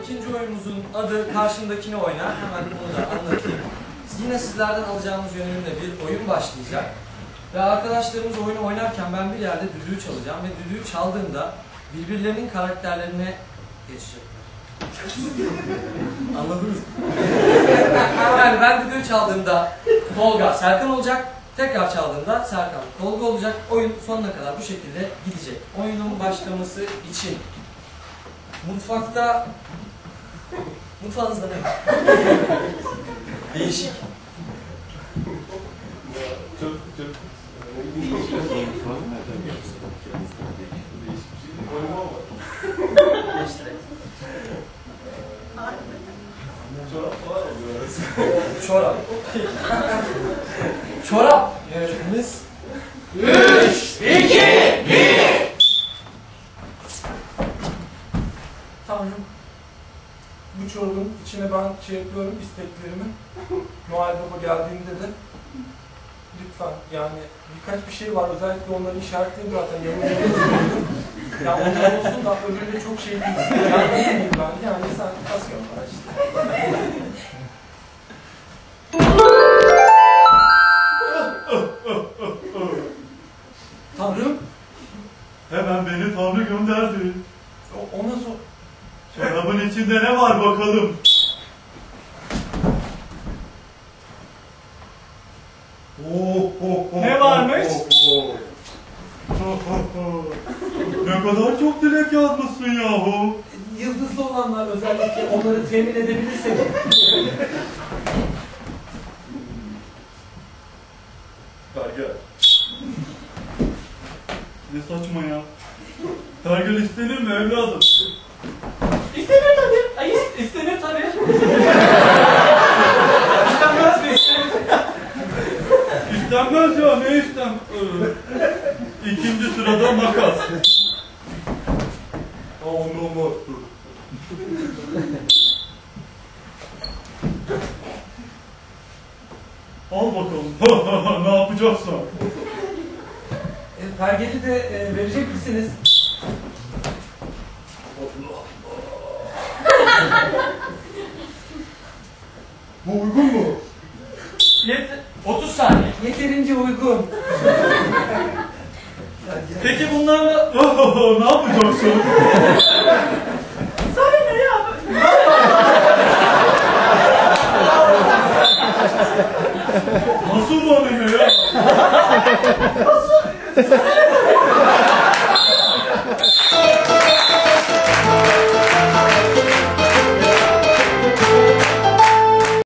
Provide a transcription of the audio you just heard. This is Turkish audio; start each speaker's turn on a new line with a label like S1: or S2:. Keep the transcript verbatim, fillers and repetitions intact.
S1: İkinci oyunumuzun adı Karşındakini Oyna. Hemen bunu da anlatayım. Yine sizlerden alacağımız yönümle bir oyun başlayacak. Ve arkadaşlarımız oyunu oynarken ben bir yerde düdüğü çalacağım ve düdüğü çaldığında birbirlerinin karakterlerine geçecekler. Anladınız mı? Yani ben düdüğü çaldığımda Tolga Serkan olacak, tekrar çaldığımda Serkan Tolga olacak. Oyun sonuna kadar bu şekilde gidecek. Oyunun başlaması için mutfakta mutfağınızda ne var? Değişik.
S2: Çok çok çorap falan oluyor.
S1: Çorap. Çorap yarışmamız.
S3: üç, iki, bir.
S2: Tanrım, bu çorabın içine ben şey yapıyorum, isteklerimi. Noel Baba geldiğinde de lütfen, yani birkaç bir şey var, özellikle onları işaretleyeyim zaten. Ya onlar olsun da öbürü de çok şey değil. Yani değil ben, yani sen kasıyorsun bana işte. Tanrım,
S4: Hemen beni Tanrı gönderdi.
S2: o, ona sor.
S4: Çorabın içinde ne var bakalım? Oh, oh, oh,
S3: Ne varmış?
S4: Oh, oh, oh, oh. Ne kadar çok dilek yazmışsın yahu.
S2: Yıldızlı olanlar özellikle onları temin edebilirsek.
S4: Pergel. Ne saçma ya. Pergel istenir mi evladım?
S3: İstenir tabii. Ay is- istenir tabii. İstenmez mi?
S4: İstenmez ya, ne istem? İkinci sırada makas. Anlamadım. Al bakalım. Ne yapacaksın?
S2: E, pergeli de e, verecek misiniz?
S4: Bu uygun mu?
S3: Yet- otuz saniye.
S2: Yeterince uygun.
S4: Peki bunlarla ne yapacaksın?